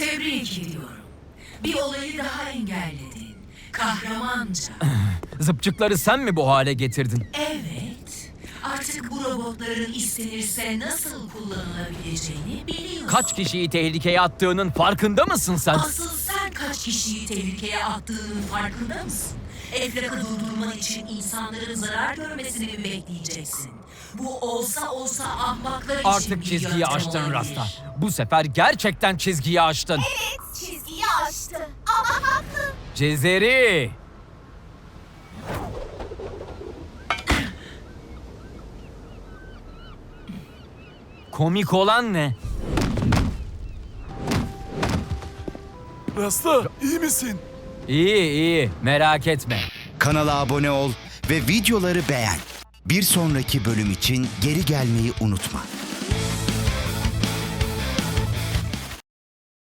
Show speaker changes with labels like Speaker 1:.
Speaker 1: Tebrik ediyorum. Bir olayı daha engelledin. Kahramanca.
Speaker 2: Zıpçıkları sen mi bu hale getirdin?
Speaker 1: Evet. Artık bu robotların istenirse nasıl kullanılabileceğini biliyorsun.
Speaker 2: Kaç kişiyi tehlikeye attığının farkında mısın sen?
Speaker 1: Asıl sen kaç kişiyi tehlikeye attığının farkında mısın? Efrak'ı durdurman için insanların zarar görmesini mi bekleyeceksin? Bu olsa ahmaklar için
Speaker 2: Artık
Speaker 1: bir
Speaker 2: çizgiyi
Speaker 1: yöntem
Speaker 2: aştın
Speaker 1: olabilir.
Speaker 2: Rasta. Bu sefer gerçekten çizgiyi aştın.
Speaker 3: Evet, çizgiyi aştı. Ama haklı.
Speaker 2: Cezeri! Komik olan ne?
Speaker 4: Rasta, iyi misin?
Speaker 2: İyi, merak etme.
Speaker 5: Kanala abone ol ve videoları beğen. Bir sonraki bölüm için geri gelmeyi unutma.